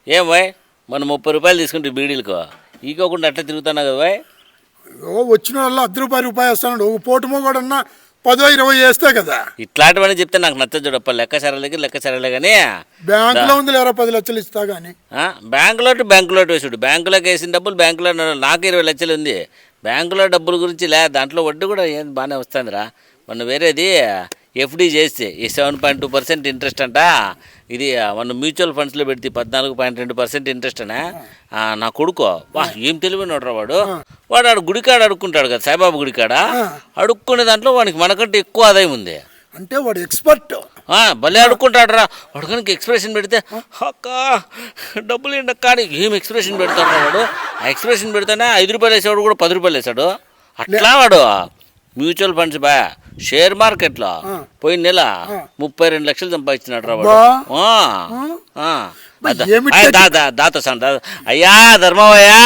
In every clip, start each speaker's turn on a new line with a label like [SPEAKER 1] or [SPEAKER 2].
[SPEAKER 1] ఏం బాయ్ మనం 30 రూపాయలు తీసుకుంటే బీడీలకు ఈకోకుండా అట్లా తిరుగుతున్నావు కదా బాయ్.
[SPEAKER 2] వచ్చిన వాళ్ళు ₹10 వేస్తున్నాడు. ఒక పూటమో కూడా 10-20 వేస్తే కదా.
[SPEAKER 1] ఇట్లాంటివన్నీ చెప్తే నాకు నచ్చదు చూడప్ప. లెక్క సరలే కానీ
[SPEAKER 2] బ్యాంకులో ఉంది లేరా 10 లక్షలు ఇస్తా కానీ.
[SPEAKER 1] బ్యాంకులో వేసుడు. బ్యాంకులోకి వేసిన డబ్బులు బ్యాంకులో నాకు 20 లక్షలు ఉంది. బ్యాంకులో డబ్బుల గురించి దాంట్లో వడ్డీ కూడా ఏం బాగానే వస్తుందిరా. మొన్న వేరేది ఎఫ్డీ చేస్తే ఈ 7.2% ఇంట్రెస్ట్ అంట. ఇది మన మ్యూచువల్ ఫండ్స్లో పెడితే 14.2% ఇంట్రెస్ట్ అనే. నా కొడుకు ఏం తెలివినోడ్రా వాడు ఆడు గుడికాడ అడుక్కుంటాడు కదా, సాయిబాబా గుడికాడ అడుక్కునే దాంట్లో వానికి మనకంటే ఎక్కువ ఆదాయం ఉంది.
[SPEAKER 2] అంటే వాడు ఎక్స్పర్ట్.
[SPEAKER 1] భలే అడుక్కుంటాడు రా వాడు. కనుక ఎక్స్ప్రెషన్ పెడితే అక్క డబ్బులు ఏంటక్క అని ఏం ఎక్స్ప్రెషన్ పెడతాడు వాడు. ఆ ఎక్స్ప్రెషన్ పెడితేనే ₹5 వేసేవాడు కూడా ₹10 వేసాడు. అట్లా వాడు మ్యూచువల్ ఫండ్స్ షేర్ మార్కెట్లో పోయిన నెల 32 లక్షలు సంపాదించినాడు రా వాడు. అయ్యా ధర్మమయ్యా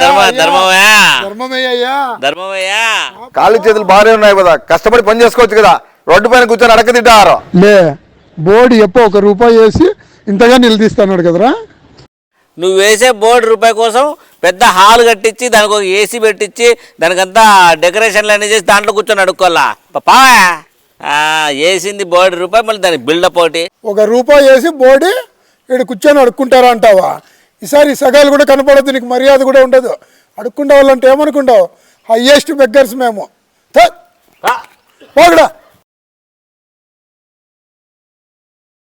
[SPEAKER 1] ధర్మమయ్యా
[SPEAKER 3] కాళ్ళు చేతులు బాగానే ఉన్నాయి కదా, కష్టపడి పని చేసుకోవచ్చు కదా. రోడ్డు పైన కూర్చొని అడక తింటారు
[SPEAKER 2] లే. బోర్డు ఎప్పుడు ₹1 వేసి ఇంతగా నిలదీస్తున్నాడు కదరా.
[SPEAKER 1] నువ్వు వేసే బోర్డు రూపాయి కోసం పెద్ద హాల్ కట్టించి దానికి ఒక ఏసీ పెట్టించి దానికంతా డెకరేషన్లు అన్నీ చేసి దాంట్లో కూర్చొని అడుక్కోవాలా పాపా. వేసింది బోర్డు రూపాయి, మళ్ళీ దానికి బిల్డప్ ఒకటి.
[SPEAKER 2] ₹1 వేసి బోర్డు ఇక్కడ కూర్చొని అడుక్కుంటారా అంటావా? ఈసారి సగాలు కూడా కనపడదు, నీకు మర్యాద కూడా ఉండదు. అడుక్కుంటే వాళ్ళంటే ఏమనుకుంటావు? హయ్యెస్ట్ బెగ్గర్స్ మేము. పోగడా